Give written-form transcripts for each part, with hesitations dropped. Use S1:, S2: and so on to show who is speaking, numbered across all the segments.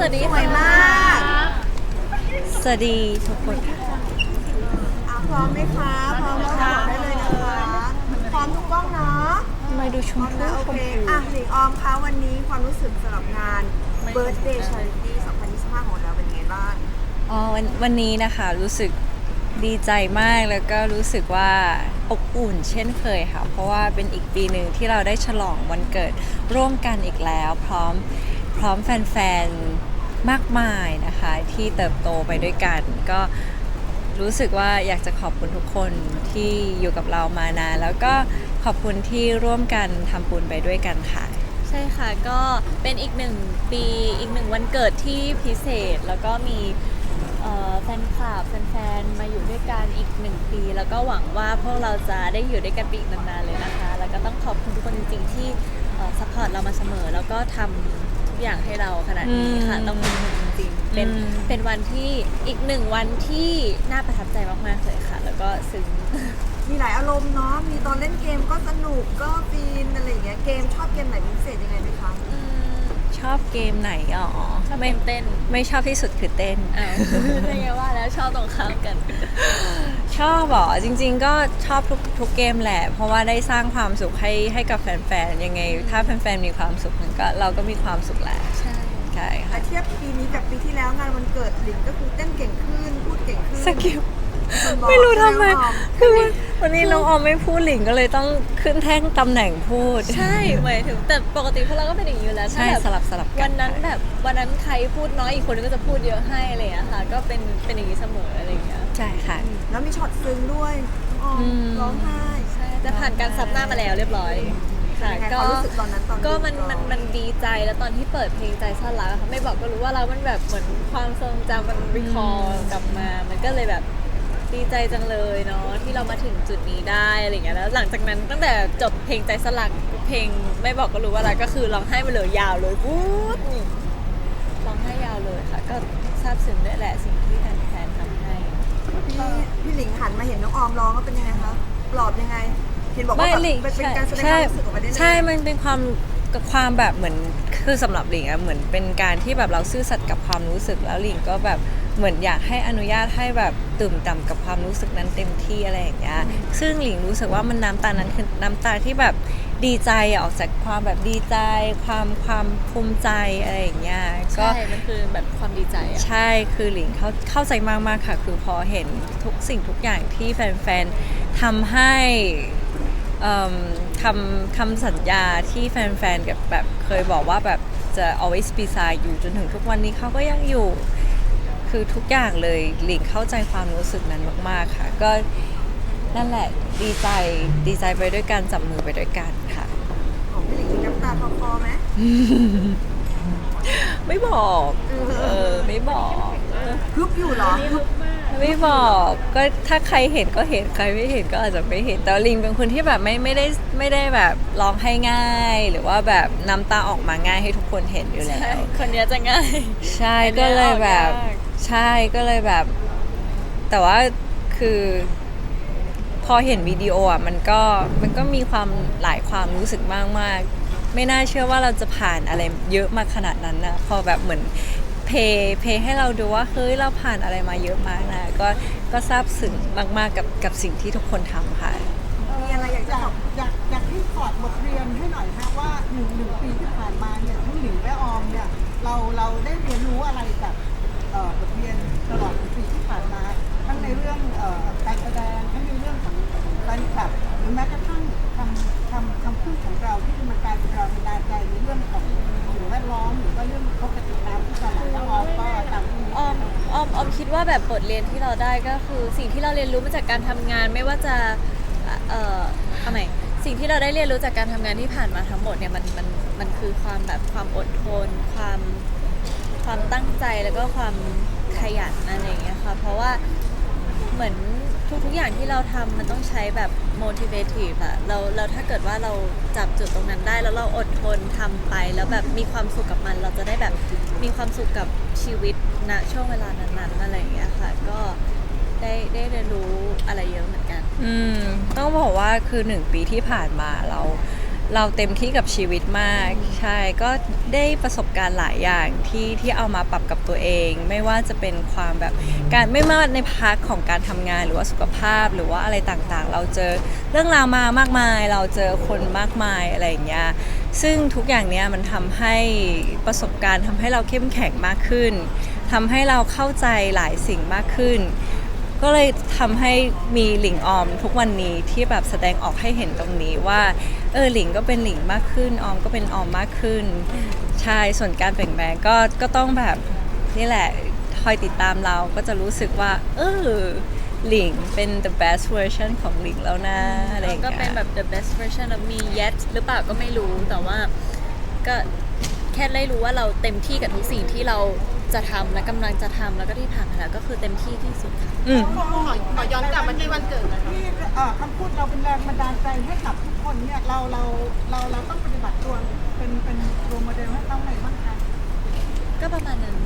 S1: วัสดี
S2: สวยมาก
S3: สวัสดีทุกคนค่ะ
S2: พร้อมไหมคะพร้อมแล้วบอกได้เลยนะคะพร้อมทุกกล้องเนาะ
S3: ทำไมดูช
S2: พร้
S3: ม
S2: อม
S3: พู
S2: นะโอ
S3: ช
S2: เค
S3: มพู
S2: หลิงออมคะวันนี้ความรู้สึกสำหรับงาน Birthday Charity 2025 ของเราเป็นไงบ้าง
S3: วันนี้นะคะรู้สึกดีใจมากแล้วก็รู้สึกว่าอบอุ่นเช่นเคยค่ะ เพราะว่าเป็นอีกปีหนึ่งที่เราได้ฉลองวันเกิดร่วมกันอีกแล้ว พร้อมแฟนๆมากมายนะคะที่เติบโตไปด้วยกัน ก็รู้สึกว่าอยากจะขอบคุณทุกคนที่อยู่กับเรามานานแล้วก็ขอบคุณที่ร่วมกันทำบุญไปด้วยกันค่ะ
S1: ใช่ค่ะก็เป็นอีกหนึ่งปีอีกหนึ่งวันเกิดที่พิเศษ แล้วก็มีแฟนคลับแฟนๆมาอยู่ด้วยกันอีก1 ปีแล้วก็หวังว่าพวกเราจะได้อยู่ด้วยกันไปอีกนานๆเลยนะคะแล้วก็ต้องขอบคุณทุกคนจริงๆที่ซัพพอร์ตเรามาเสมอแล้วก็ทำทุกอย่างให้เราขนาดนี้ค่ะต้องขอบคุณจริงๆเป็นวันที่อีก1 วันที่น่าประทับใจมากๆเลยค่ะ แล้วก็ซึ้ง
S2: มีหลายอารมณ์เนาะมีตอนเล่นเกมก็สนุกก็ฟินอะไรอย่างเงี้ยเกมชอบเกมไหนเป็นพิเศษยังไงไหมคะ
S3: ชอบเกมไหนอ๋อ
S1: ชอบ
S3: ไม่
S1: เต้น
S3: ไม่ชอบที่สุดคือเต้น
S1: อ้าวไม่ไงว่าแล้วชอบตรงข้ามกัน
S3: ชอบเหรอจริงๆก็ชอบทุกเกมแหละ เพราะว่าได้สร้างความสุขให้กับแฟนๆยังไง ถ้าแฟนๆมีความสุขก็เราก็มีความสุขแหละ
S1: ใช่
S3: ใช่
S2: แต่
S3: ค่ะ
S2: เทียบปีนี้กับปีที่แล้วงานวันเกิดหลิงก็คือเต้นเก่งขึ้นพูดเก่งขึ้น
S3: สกิล
S2: คนบอก
S3: ไม่รู้ทำไม
S2: ใช่หอ
S3: คือวันนี้น้องออมไม่พูดหลิงก็เลยต้องขึ้นแท่งตำแหน่งพูด
S1: ใช่หมายถึงแต่ปกติพวกเราก็เป็นอย่างนี้อยู่แล้ว
S3: ใช่
S1: ถ้าแบบ
S3: สลับกั
S1: วันนั้นแบบวันนั้นใครพูดน้อยอีกคนนึงก็จะพูดเยอะให้อะไรอย่างเงี้ยค่ะก็เป็นอย่างนี้เสมออะไรอย่างเงี้ย
S3: ใช่ค่ะ
S2: แล้วมีช็อตซึ้งด้วยน้องออมร้องไห้
S1: ใช่แต่ผ่านการซับหน้ามาแล้วเรียบร้อยค่ะ
S2: ยังไงความรู้สึกตอนนั้นตอน
S1: ก็
S2: ดู
S1: มันดีใจแล้วตอนที่เปิดเพลงใจซ่อนรักอะค่ะไม่บอกก็รู้ว่าเรามันแบบเหมือนความทรงจำมันรีคอร์กลับมา มันก็เลยแบบดีใจจังเลยเนาะที่เรามาถึงจุดนี้ได้อะไรอย่างเงี้ยแล้วหลังจากนั้นตั้งแต่จบเพลงใจสลักเพลงไม่บอกก็รู้ว่าอะไรก็คือร้องไห้มาเลยยาวเลยพูดนี่ร้องไห้ยาวเลยค่ะ ก็ซาบซึ้งด้วยแหละสิ่งที่แฟนๆทำให้
S2: พี่หลิงหันมาเห็นน้องออมร้องก็เป็นยังไงคะปลอบยังไงเห็นบอกว่าแบบ
S3: หลิง
S2: เป็นการแสดงความรู้สึกออกมาได้เลย
S3: ใช่ มันเป็นความแบบเหมือนคือสำหรับหลิงอะเหมือนเป็นการที่แบบเราซื่อสัตย์กับความรู้สึกแล้วหลิงก็แบบเหมือนอยากให้อนุญาตให้แบบตื่มต่ำกับความรู้สึกนั้นเต็มที่อะไรอย่างเงี้ยซึ่งหลิงรู้สึกว่ามันน้ำตานั้นคือน้ำตาที่แบบดีใจอะออกจากความแบบดีใจความภูมิใจอะไรอย่างเงี้ยก็
S1: ใช่ มันคือแบบความดีใจอะ
S3: ใช่ คือหลิงเข้าใจมากๆค่ะ คือพอเห็นทุกสิ่งทุกอย่างที่แฟนๆทำให้คำสัญญาที่แฟนๆกับแบบเคยบอกว่าแบบจะ always beside you จนถึงทุกวันนี้เขาก็ยังอยู่ คือทุกอย่างเลยหลิงเข้าใจความรู้สึกนั้นมากๆค่ะ ก็นั่นแหละดีใจไปด้วยกันจับมือไปด้วยกันค่ะ
S2: ของพี่หลิงมีน้ำตาคลอไหม
S3: ไม่บอกไม่บอก
S2: ฮึบอยู่เหรอ
S3: ไม่บอกก็ถ้าใครเห็นก็เห็นใครไม่เห็นก็อาจจะไม่เห็นแต่ลิงเป็นคนที่แบบไม่ได้แบบร้องให้ง่าย หรือว่าแบบน้ำตาออกมาง่ายให้ทุกคนเห็นอยู่แล้
S1: ใช่
S3: ว
S1: คนเนี้ยจะง่าย
S3: ใช่ก็เลยแบบใช่ก็เลยแบบ แต่ว่าคือพอเห็นวิดีโออ่ะมันก็มีความหลายความรู้สึกมากๆไม่น่าเชื่อว่าเราจะผ่านอะไรเยอะมาขนาดนั้นนะพอแบบเหมือนเพย์ให้เราดูว่าเฮ้ยเราผ่านอะไรมาเยอะมากนะก็ซาบซึ้งมากๆกับสิ่งที่ทุกคนทำค่ะ
S2: มีอะไรอยากจะบอก
S4: อยากให้ถอดบทเรียนให้หน่อยฮะว่าหนึ่งปีที่ผ่านมาเนี่ยทั้งหลิงและออมเนี่ยเราได้เรียนรู้อะไรจากบทเรียนตลอด1 ปีที่ผ่านมาทั้งในเรื่องการแสดงทั้งในเรื่องของแฟนคลับหรือแม้กระทั่งคำพูดของเราที่มันกลายเป็นแรงบันดาลใจในเรื่องของสิ่งแวดล้อมหรือว่าเรื่องปกติน้ำที่ตลาดแล้วออมก็ตามที่
S1: ออมคิดว่าแบบบทเรียนที่เราได้ก็คือสิ่งที่เราเรียนรู้มาจากการทำงานไม่ว่าจะเอาใหม่สิ่งที่เราได้เรียนรู้จากการทำงานที่ผ่านมาทั้งหมดเนี่ยมันคือความแบบความอดทนความตั้งใจแล้วก็ความขยันอะไรอย่างเงี้ยค่ะเพราะว่าเหมือนทุกอย่างที่เราทำมันต้องใช้แบบ motivative อะเราถ้าเกิดว่าเราจับจุดตรงนั้นได้แล้วเราอดทนทำไปแล้วแบบมีความสุขกับมัน เราจะได้แบบมีความสุขกับชีวิตณช่วงเวลานั้นๆอะไรอย่างเงี้ยค่ะก็ได้เรียนรู้อะไรเยอะเหมือนกัน
S3: ต้องบอกว่าคือ1 ปีที่ผ่านมาเราเต็มที่กับชีวิตมากใช่ก็ได้ประสบการณ์หลายอย่างที่เอามาปรับกับตัวเอง ไม่ว่าจะเป็นความแบบการไม่ว่าในพาร์ทของการทำงานหรือว่าสุขภาพหรือว่าอะไรต่างๆ เราเจอเรื่องราวมามากมาย เราเจอคนมากมายอะไรอย่างเงี้ยซึ่งทุกอย่างเนี้ยมันทำให้ประสบการณ์ทำให้เราเข้มแข็งมากขึ้นทำให้เราเข้าใจหลายสิ่งมากขึ้น ก็เลยทำให้มีหลิงออมทุกวันนี้ที่แบบแสดงออกให้เห็นตรงนี้ว่าหลิงก็เป็นหลิงมากขึ้นออมก็เป็นออมมากขึ้นใช่ส่วนการเปลี่ยนแปลงก็ต้องแบบนี่แหละคอยติดตามเราก็จะรู้สึกว่าหลิงเป็น the best version ของหลิงแล้วนะอะไรอย่าง
S1: ก็
S3: เงี้ย
S1: เป็นแบบ the best version of me yet หรือเปล่าก็ไม่รู้แต่ว่าก็แค่ได้รู้ว่าเราเต็มที่กับทุกสิ่งที่เราจะทำและกำลังจะทำแล้วก็ที่ผ่านมาแล้วก็คือเต็มที่ที่สุดค่ะ
S5: ขอย้อนกลับมาที่วันเกิดหน่อยค่ะ
S4: ที่คำพูดเราเป็นแรงบันดาลใจให้กับทุกคนเนี่ยเราต้องปฏิบัติตัวเป็นโรลโมเดลให้เขาไหนบ้างคะ
S1: ก็ประมาณนั้น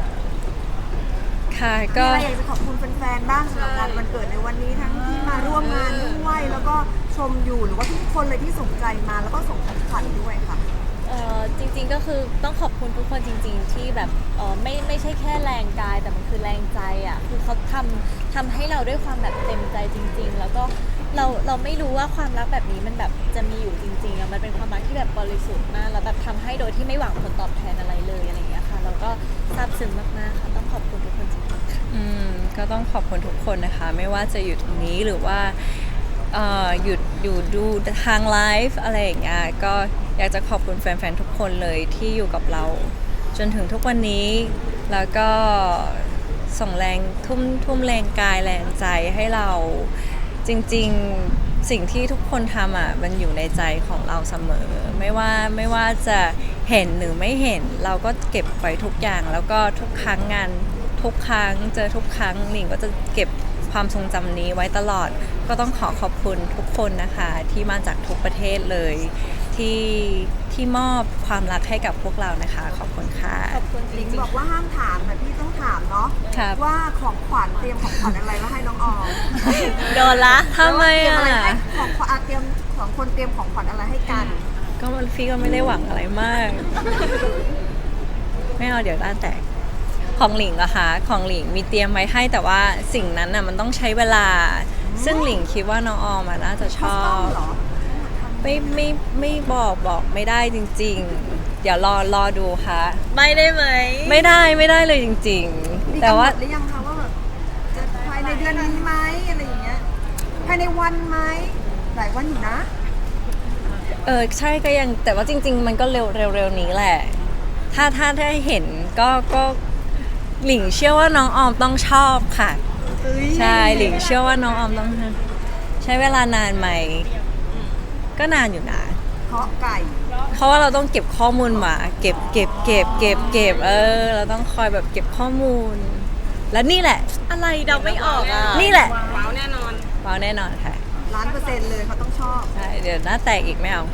S3: ค่ะ
S2: มี
S3: ก็
S2: อะไรอยากจะขอบคุณแฟนๆบ้างสำหรับงานวันเกิดในวันนี้ทั้งที่มาร่วมงานด้วยแล้วก็ชมอยู่หรือว่าทุกคนเลยที่สนใจมาแล้วก็ส่งของขวัญด้วยค่ะ
S1: จริงๆก็คือต้องขอบคุณทุกคนจริงๆที่แบบไม่ใช่แค่แรงกายแต่มันคือแรงใจอ่ะคือเขาทำให้เราด้วยความแบบเต็มใจจริง ๆ แล้วก็เราไม่รู้ว่าความรักแบบนี้มันแบบจะมีอยู่จริงๆอ่ะมันเป็นความรักที่แบบบริสุทธิ์มากแล้วแบบทำให้โดยที่ไม่หวังผลตอบแทนอะไรเลยอะไรอย่างเงี้ยค่ะเราก็ซาบซึ้งมากๆค่ะต้องขอบคุณทุกคนจริงๆค่ะ
S3: ก็ต้องขอบคุณทุกคนนะคะ ไม่ว่าจะอยู่ตรงนี้หรือว่าหยุดอยู่ดูทางไลฟ์อะไรอย่างเงี้ยก็อยากจะขอบคุณแฟนๆทุกคนเลยที่อยู่กับเรา จนถึงทุกวันนี้ แล้วก็ส่งแรงทุ่มแรงกายแรงใจให้เราจริงๆสิ่งที่ทุกคนทำอ่ะมันอยู่ในใจของเราเสมอ ไม่ว่าจะเห็นหรือไม่เห็นเราก็เก็บไว้ทุกอย่างแล้วก็ทุกครั้งงานทุกครั้งเจอทุกครั้งหลิงก็จะเก็บความทรงจำนี้ไว้ตลอดก็ต้องขอบคุณทุกคนนะคะที่มาจากทุกประเทศเลยที่มอบความรักให้กับพวกเรานะคะขอบคุณค่ะ
S1: ขอบคุณจ
S2: หลิ
S1: ริ
S2: ง
S1: ง
S2: บอกว่าห้ามถามแต่พี่ต้องถามเนาะ
S3: ครับ
S2: ว่าของขวัญเตรียมของขวัญอะไรมาให้น้องออม
S1: ๆโดนละ
S3: ทำไม
S2: เตรียม
S3: อ่ะ
S2: อะไรให้ของขวัญเตรียมสองคนเตรียมของขวัญอะไรให้กัน
S3: ก็พี่ก็ไม่ได้หวังอะไรมาก ไม่เอาเดี๋ยวด้านแตกของหลิงเหรอคะของหลิงมีเตรียมไว้ให้แต่ว่าสิ่งนั้นน่ะมันต้องใช้เวลา ซึ่งหลิงคิดว่าน้องออมน่าจะช
S2: คัส
S3: อ
S2: ตอม
S3: บ
S2: เหรอ
S3: ไม่บอกไม่ได้จริงๆ เดี๋ยวรอดูค่ะ
S1: ไม่ได้ไหม
S3: ไม่ได้เลยจริง
S2: มี
S3: ๆ แต่
S2: กำหน
S3: ว่า
S2: ดหรือยังคะว่าแบบจะภายในเดือนนี้ไหมอะไรอย่างเงี้ยภายในวันไหมหลายวันอยู่นะ
S3: ใช่ก็ยังแต่ว่าจริง ๆ มันก็เร็วนี้แหละ ถ้าได้เห็นก็หลิงเชื่อว่าน้องออมต้องชอบค่ะ ใช่หลิงเชื่อว่าน้องออมต้องใช้เวลานานไหม ก็นานอยู่นะ
S2: เพาะไก่
S3: เพราะว่าเราต้องเก็บข้อมูลมาเก็บเราต้องคอยแบบเก็บข้อมูล แล้วนี่แหละ
S1: อะไรเดาไม่ออกอ่ะ
S3: นี่แหละ
S5: ว้าวแน่นอน
S3: ว้าวแน่นอนค่ะ
S2: 1,000,000%เลยเขาต้องชอบ
S3: ใช่เดี๋ยวหน้าแตกอีกไม่เอา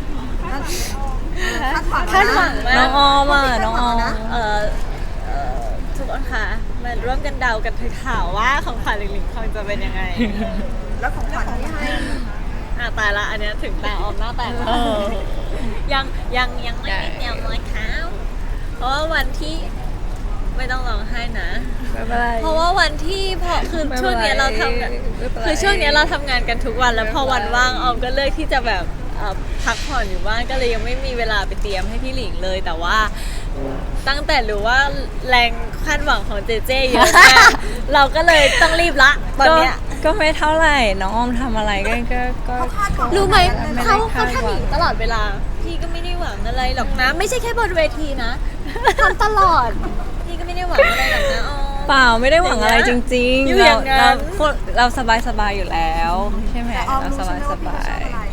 S2: คาดหวัง
S1: คาดหวังมาก
S3: น้องออมอ่ะน้องออม
S1: เอ่อทุกคนคะมาร่วมกันเดากันเถอะข่าวว่าของขวัญหลิงๆคงจะเป็นยังไง
S2: แล้วของขวัญที่ให้
S1: ตายละอันเนี้ยถึงตาออมหน้าแตกแล้ว ยังไม่ได้เตรียมเลยครับเพราะว่าวันที่ไม่ต้องร้องไห้นะ
S3: ไม่เป็นไร
S1: เพราะว่าวันที่คือ
S3: ไม่เป็นไร
S1: ช่วงเนี้ยเราทำกัน
S3: ไม่เป็นไร
S1: คือช่วงเนี้ยเราทำงานกันทุกวันแล้วพอวันว่างออมก็เลือกที่จะแบบพักผ่อนอยู่บ้านก็เลยยังไม่มีเวลาไปเตรียมให้พี่หลิงเลย แต่ว่าตั้งแต่รู้ว่าแรงคาดหวังของเจเจเยอะมาก เราก็เลยต้องรีบละตอนเนี้ย
S3: ก็ไม่เท่าไหร่น้องออมทำอะไรก็
S2: เขาคาดหวัง
S1: รู้ไหม
S3: ไม่ได้
S1: เขา
S3: คาดหวัง
S1: ทำอย่างนี้ตลอดเวลา พี่ก็ไม่ได้หวังอะไรหรอกนะ ไม่ใช่แค่บนเวทีนะทำตลอด พี่ก็ไม่ได้หวังอะไรหรอกนะอ๋อ
S3: เปล่าไม่ได้หวังอะไรจริง
S1: อยู่
S3: ๆ
S1: อย่างนั้น
S3: เราสบายอยู่แล้วใช่ไหม
S2: แต่ออม
S3: เรา
S2: รู้
S3: ส
S2: ใช่ไหม
S3: บา
S2: ว่าย พี่เขาชอบอะไร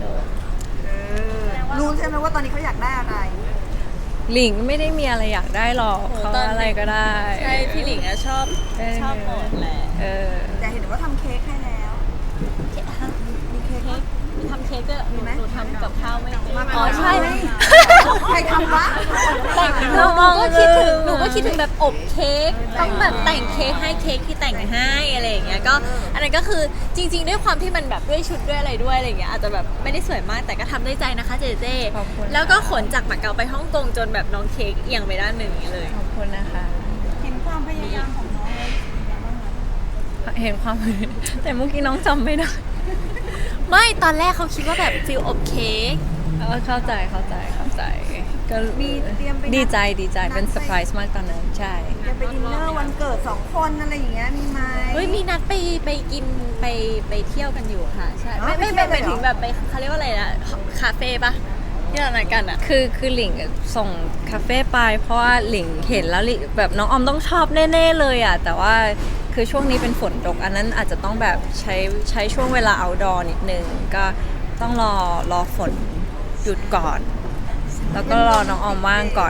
S2: รู้ใช่ไหมว่าตอนนี้เขาอยากได้อะไร
S3: หลิงไม่ได้มีอะไรอยากได้หรอก
S1: โอ้
S3: เขา
S1: ตอน
S3: อะไรก็ได้
S1: ใช่พี่หลิงอะชอบหมดแหละ
S3: เออ
S2: แต่เห็นว่าทำเค้กให้แล้ว มีเค้ก
S1: เค้กทำเค้กด้วย
S2: มีไหม
S1: หนูทำกับข้าวไม่เป็น
S2: มา
S1: อ๋อใช่
S2: ใครทำวะ
S1: หนูก็คิดถึงแบบอบเค้กต้องแบบแต่งเค้กให้เค้กที่แต่งให้อะไรอย่างเงี้ยก็อันนั้นก็คือจริง ๆ ด้วยความที่มันแบบด้วยชุดด้วยอะไรด้วยอะไรอย่างเงี้ยอาจจะแบบไม่ได้สวยมากแต่ก็ทำด้วยใจนะคะเจเจ
S3: ขอบคุณ
S1: แล้วก็ขนจากมาเก๊าไปฮ่องกงจนแบบน้องเค้กเอียงไปด้านหนึ่งอย่างนี้เลย
S3: ขอบคุณนะคะ
S4: เห็นความพยายามของน้องเลย
S3: เห็นความ แต่เมื่อกี้น้องจำไม่ได้
S1: ไม่ตอนแรกเขาคิดว่าแบบฟิลอบเค้ก
S3: เข้าใจก็
S2: มีเตรียมไป
S3: ดีใจเป็นเซอร์ไพรส์มากตอนนั้นใช่
S2: จะไปดินเนอร์วันเกิด2 คนอะไรอย่างเงี้ยมีไหม
S1: เฮ้ยมีนัดไปกินไปเที่ยวกันอยู่ค่ะใช่
S2: อ๋อ
S1: ไม่
S2: ไปเที่ยว
S1: ไป
S2: เลยเหรอ
S1: ถึงแบบไปเขาเรียกว่าอะไรนะคาเฟ่ปะที่เรานัดกันอะ
S3: คือหลิงส่งคาเฟ่ไปเพราะว่าหลิงเห็นแล้วหลิงแบบน้องออมต้องชอบแน่ๆเลยอ่ะแต่ว่าคือช่วงนี้เป็นฝนตกอันนั้นอาจจะต้องแบบใช้ช่วงเวลา outdoor นิดนึงก็ต้องรอฝนหยุดก่อน แล้วก็รอน้องออมว่างก่อน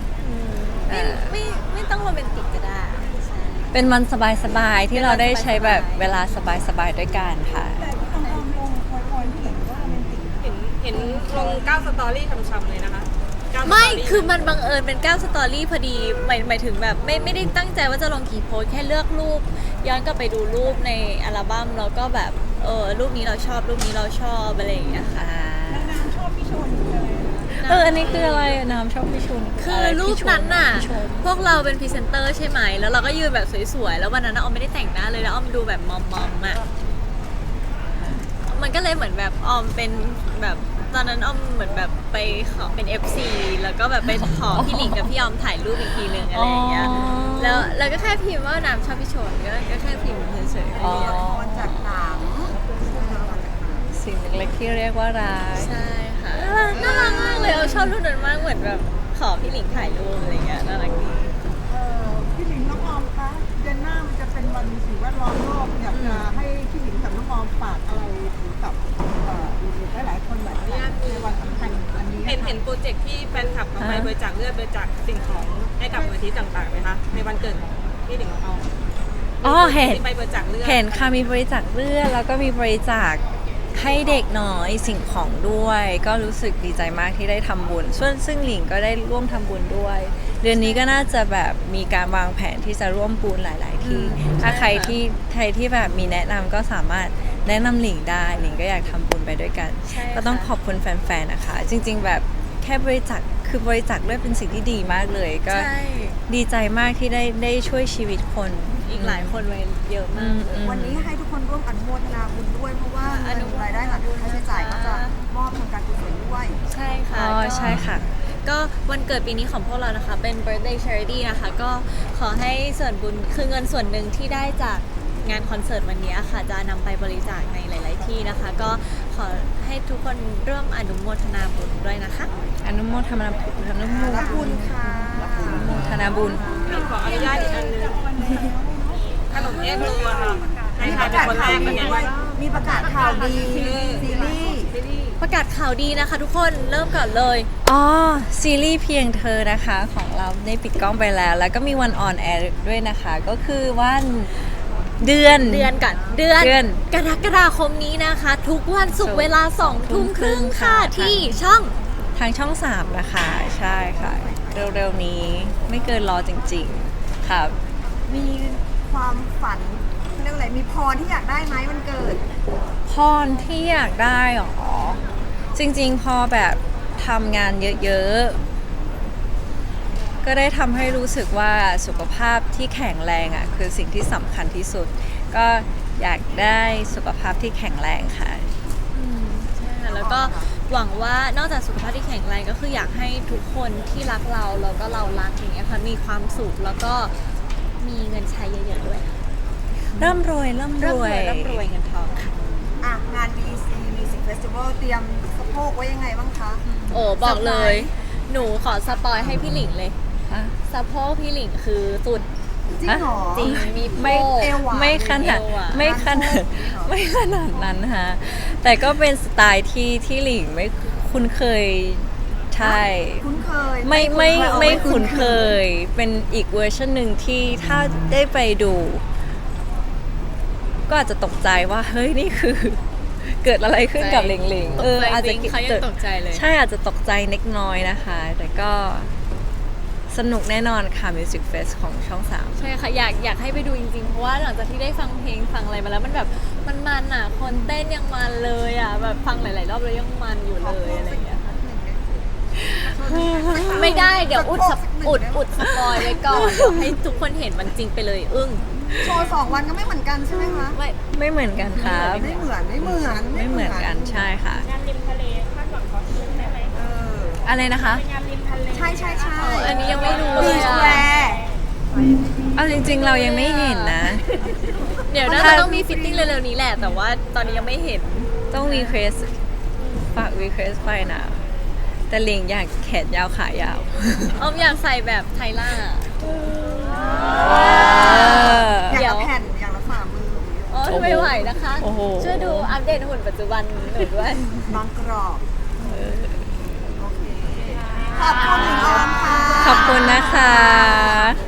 S1: ไม่ต้องโรแมนติกก็ได้ใช่
S3: เป็นวันสบายๆที่เราได้ใช้แบบเวลาสบายๆด้วยกันค่ะ
S4: แต่ที่ต้องลงพอยที่เห็นว่าโรแมนติก
S5: เห็นลง9สตอรี่ช้ำๆเลยนะคะ9
S1: ไม่
S5: สตรี่
S1: คือมันบังเอิญเป็น9สตอรี่พอดีหมายถึงแบบไม่ได้ตั้งใจว่าจะลงกี่โพสต์แค่เลือกรูปย้อนกลับไปดูรูปในอัลบั้มแล้วก็แบบรูปนี้เราชอบรูปนี้เราชอบอะไรอย่างเงี้ยค่ะ
S4: นางชอบพี่ชนเลย
S3: อันนี้คืออะไรน้ำชอบพี่ชุน
S1: คือรูปนั้นน่ะ
S3: พี่ชม
S1: พวกเราเป็นพรีเซนเตอร์ใช่ไหม แล้วเราก็ยืนแบบสวยๆ แล้ววันนั้นน่ะออมไม่ได้แต่งหน้าเลยแล้วออมดูแบบมอมๆอ่ะ มันก็เลยเหมือนแบบออมเป็นแบบตอนนั้นออมเหมือนแบบไปขอเป็น FC แล้วก็แบบไปขอพี่หลิงกับพี่ออมถ่ายรูปอีกทีนึงอะไรอย่างเงี้ย แล้วก็แค่พิมพ์ว่าน้ำชอบพี่ชนก็แค่พิมพ์เฉยๆ
S3: อ๋อ
S2: ละครจากหนัง
S3: สิ่งเล็กๆที่เรียกว่ารัก
S1: ใช่ค่ะน่ารักมากเลยเอาชอบรูปนั้นมากเหมือนแบบขอพี่หลิงถ่ายรูปอะไรเงี้ยน่ารักดี
S4: พี่หลิงน้องออมคะเดือนหน้ามันจะเป็นวันสิ่งแวดล้อมโลกอยากจะให้พี่หลิงกับน้องออมฝากอะไรถึงกับหลายๆคนหลายๆในวันสำคัญอันนี้
S5: เห็นโปรเจกต์ที่แฟนคลับเอาไปบริจาคเลือดบริจาคสิ่งของให้กับมูลนิธิต่างๆไหมคะในวันเกิดของพี่หลิงของเรา
S3: อ๋อเห็น
S5: ที่ไปบริจาคเลือด
S3: เห็นค่ะมีบริจาคเลือดแล้วก็มีบริจาคให้เด็กน้อยสิ่งของด้วย ก็รู้สึกดีใจมากที่ได้ทำบุญซึ่งหลิงก็ได้ร่วมทำบุญด้วย เดือนนี้ก็น่าจะแบบมีการวางแผนที่จะร่วมบุญหลาย ๆ ที่ถ้าใครที่แบบมีแนะนำก็สามารถแนะนำหลิงได้หลิงก็อยากทำบุญไปด้วยกัน
S1: ใช่ค่ะ
S3: ก็ต้องขอบคุณแฟน ๆ นะคะ จริง ๆ แบบแค่บริจาคคือบริจาคเลือดเป็นสิ่งที่ดีมากเลยก็
S1: ใช่
S3: ดีใจมากที่ได้ช่วยชีวิตคน
S1: อีกหลายคนไว้เยอะมากเลย
S2: วันนี้ให้ทุกคนร่วมอนุโมทนาบุญด้วย เพราะว่าเงินรายได้หลักค่าใช้จ่ายก็จะมอบทางการกุศลด้วย
S1: ใช่ค่ะ
S3: อ๋อ
S1: ก็
S3: ใช่ค่ะ
S1: ก็วันเกิดปีนี้ของพวกเรานะคะ เป็น birthday charity นะคะ ก็ขอให้ส่วนบุญคือเงินส่วนหนึ่งที่ได้จากงานคอนเสิร์ตวันนี้ค่ะ จะนำไปบริจาคในหลาย ๆ ที่นะคะ ก็ขอให้ทุกคนร่วมอนุโมทนาบุญด้วยนะคะ
S3: อนุโมทนาบุญอนุโม
S2: รับบุญค่ะ
S3: ทนาบุญ
S5: ขออนุญาตอีกอันนึงขนมเอ็กโลอะค่ะใน
S2: มี
S5: ไท
S2: ป
S5: ย
S2: ระ
S5: เป็น
S2: กาศ
S5: คนแร
S2: ข่าว
S5: กเป็
S2: ดี
S5: นไง
S2: ด้วย
S5: บ้าง
S2: มีประกาศข่าวดีซีรีส์
S1: ประกาศข่าวดีนะคะ ทุกคนเริ่มก่อนเลย
S3: อ๋อ ซีรีส์เพียงเธอนะคะของเราได้ปิดกล้องไปแล้ว แล้วก็มีวันออนแอร์ด้วยนะคะ ก็คือวันเดือน
S1: เดือนกรกฎาคมนี้นะคะ ทุกวันศุกร์เวลา2 ทุ่มครึ่งค่ะ ที่ช่อง
S3: ทางช่อง 3 นะคะ ใช่ค่ะ เร็วๆนี้ไม่เกินรอจริงๆครับ
S2: มีความฝันเรื่องอะไรมีพรที่อยากได้ไหมวันเกิด
S3: พรที่อยากได้หรอ จริงๆ พอแบบทำงานเยอะๆ ก็ได้ทำให้รู้สึกว่าสุขภาพที่แข็งแรงอ่ะคือสิ่งที่สำคัญที่สุด ก็อยากได้สุขภาพที่แข็งแรงค่ะ
S1: ใช่ค่ะแล้วก็หวังว่านอกจากสุขภาพที่แข็งแรงก็คืออยากให้ทุกคนที่รักเราแล้วก็เรารักอย่างเงี้ยค่ะมีความสุขแล้วก็มีเงินใช้เยอะๆด้วยค่ะ
S3: ร่ำรวยเงินทองค่ะ
S2: อ่ะ งาน BEC Music Festival เตรียมสะโพกไว้ยังไงบ้างคะ
S1: โอ้บอกเลย หนูขอสปอยให้พี่หลิงเลย
S3: อ่ะ
S1: สะโพกพี่หลิงคือสุด
S2: จริงเหรอ
S1: จริงมีโพ
S3: ไม่
S1: ก
S2: เอวหวาน
S3: ไม่ขนาด
S1: เอวหวาน
S3: ไม่ขนาดไม่ขนาดนั้นฮะแต่ก็เป็นสไตล์ที่หลิงไม่คุ้นเคยใช่
S2: คุ้นเคย
S3: ไม่คุ้นเคย เป็นอีกเวอร์ชันหนึ่งที่ถ้าได้ไปดู ก็อาจจะตกใจว่าเฮ้ยนี่คือเกิดอะไรขึ้นกับหลิงหลิง
S1: ตกใจ
S3: อาจ
S1: จ
S3: จะ
S1: ริงเขายังตกใจเลย
S3: ใช่อาจจะตกใจเล็กน้อยนะคะ แต่ก็สนุกแน่นอนค่ะ Music Fest ของช่อง 3
S1: ใช่ค่ะอยากให้ไปดูจริงๆ เพราะว่าหลังจากที่ได้ฟังเพลงฟังอะไรมาแล้วมันแบบมันอ่ะคนเต้นยังมันเลยอ่ะแบบฟังหลายๆรอบแล้วยังมันอยู่เลยอะไรอย่างเงี้ยค่ะไม่ได้เดี๋ยวอุดสปอยไว้ก่อนเดี๋ยวให้ทุกคนเห็นมันจริงไปเลยอึ้ง
S2: โชว์2 วันก็ไม่เหมือนกันใช่ไหมคะ
S3: ไม่เหมือนกันครับ
S2: ไม่เหมือน
S3: ไม่เหมือนกันใช่ค่ะ
S5: งานริมทะเลคาดหวังคอสตูมได้ไหม
S2: เออ
S3: อะไรนะคะ
S5: งานริมทะเล
S2: ใช่ใช่ใช่
S1: อันนี้ยังไม่รู้เล
S2: บี
S1: ย
S2: ช
S1: อ่ะ
S2: แวร์
S3: เอาจริง ๆ เรายังไม่เห็นนะ
S1: เดี๋ยวน่าจะต้องมีฟิตติ้งเร็วๆนี้แหละ แต่ว่าตอนนี้ยังไม่เห็น
S3: ต้องรีเควสฝากรีเควสไปนะ แต่หลิงอยากแขนยาวขายาว
S1: ออมอยากใส่แบบไทล่า
S2: อย่างละแผ่นอย่างละฝ่ามือ
S1: อ๋อไม่ไหวนะคะ
S3: โอ้โห
S1: ช่วยดูอัปเดตหุ่นปัจจุบันหนูด้วย
S2: บางกรอบโอเคขอบคุณหญิงออมค่ะ
S3: ขอบคุณนะคะ